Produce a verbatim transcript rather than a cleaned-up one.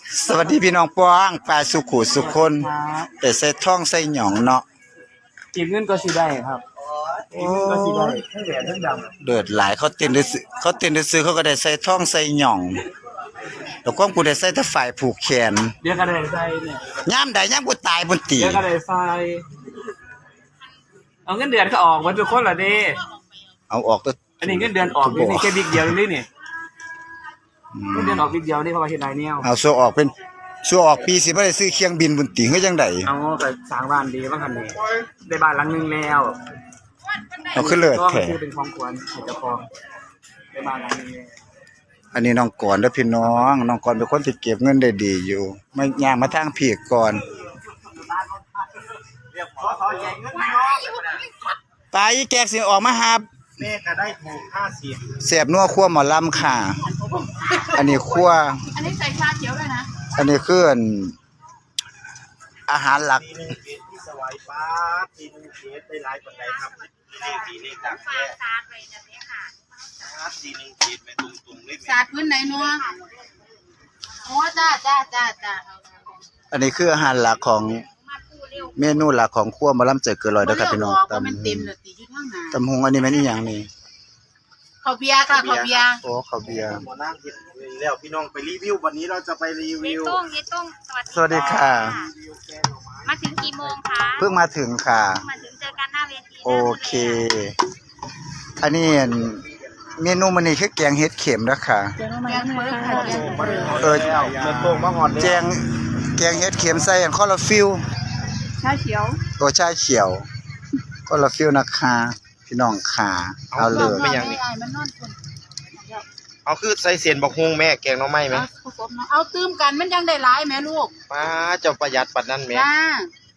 สวัสดีพี่น้องป้องปลาสุขุสุคนแต่ใส่ท่องใส่หยองเนาะจีบเงินก็สิได้ครับจีบเงินก็สิได้ทั้งแหวนทั้งดำเดือดหลายเขาเต้นได้ซื้อเขาเต้นได้ซื้อเขาก็ได้ใส่ท่องใส่หยองแล้วก็กูได้ใส่แต่ฝ่ายผูกแขนเดี๋ยวก็ได้ใส่เนี่ยย่ามใดย่ามกูตายบนตีเดี๋ยวก็ได้ใส่เอาเงินเดือนก็ออกมาทุกคนละเด้เอาออกก็อันนี้เงินเดือนออกนี่นี่แค่บิ๊กเดียวนี่นี่เงินเดือนออกบิ๊กเดียวนี่เพราะว่าเฮ็ดไรเนี่ยเอาซัวออกเป็นซัวออกปีสิบ่ได้ซื้อเครื่องบินบนตีเฮ็ดจังได๋เอาก็สร้างบ้านดีบ้างคันนี้ได้บ้านหลังนึงแล้วเอาขึ้นเลิศก็แท้คือเป็นของควรให้เจ้าของได้บ้านหลังนึงแล้วอันนี้น้องกรเด้อพี่น้องน้องกรเป็นคนที่เก็บเงินได้ดีอยู่ไม่ย่างมาทางพี่ก่อนไปอีแกกสิออกมาหับแม่ก็ได้ถูกห้าสิบเสียบนัวคั่วหมอลำค่ะ อันนี้คั่วอันนี้ใส่ชาเขียวด้วยนะอันนี้คืออันอาหารหลักปีนึงเกตที่สวายฟ้าปีนึงเกตได้หลายปัจจัยครับเลขดีเลขดังแค่ซาดไปแบบนี้ค่ะปีนึงเกตไปตรงๆเลขซาดพื้นไหนนัวโอ้จ้าจ้าจ้าจ้าอันนี้คืออาหารหลักของเมนูหลักของคั่วหมอลำเจอเกินร้อยเด้อครับพี่น้องตำตำมันเต็มเลยตีอยู่ข้างหน้าตำหงอันนี้แม่นอีหยังนี่ข้าวเบียร์ค่ะข้าวเบียร์โอ้ข้าวเบียร์หมอนั่งเห็นแล้วพี่น้องไปรีวิววันนี้เราจะไปรีเยวิวตุ้งเยตุ้งสวัสดีค่ะมาถึงกี่โมงคะเพิ่งมาถึงค่ะมาถึงเจอกันหน้าเวทีโอเค อันนี้อันเมนูมันนี่คือแกงเห็ดเข็มนะคะแกงเมือค่ะแกงเมือเออเดินตรงมาหอดแกงแกงเห็ดเข็มใส่อันคอลลาฟิลชาเขียวโอชาเขียวคอลลาฟิลนะคะพี่น้องขาเอาเลยไม่ยังนี่มันนอนคนเอาคือใส่เสียนบอกฮวงแม่แกงน้องไม้ไหมผสมเอาตื้มกันมันยังได้หลายแม่ลูกมาเจ้าประหยัดปัดนั่นแม่จ้า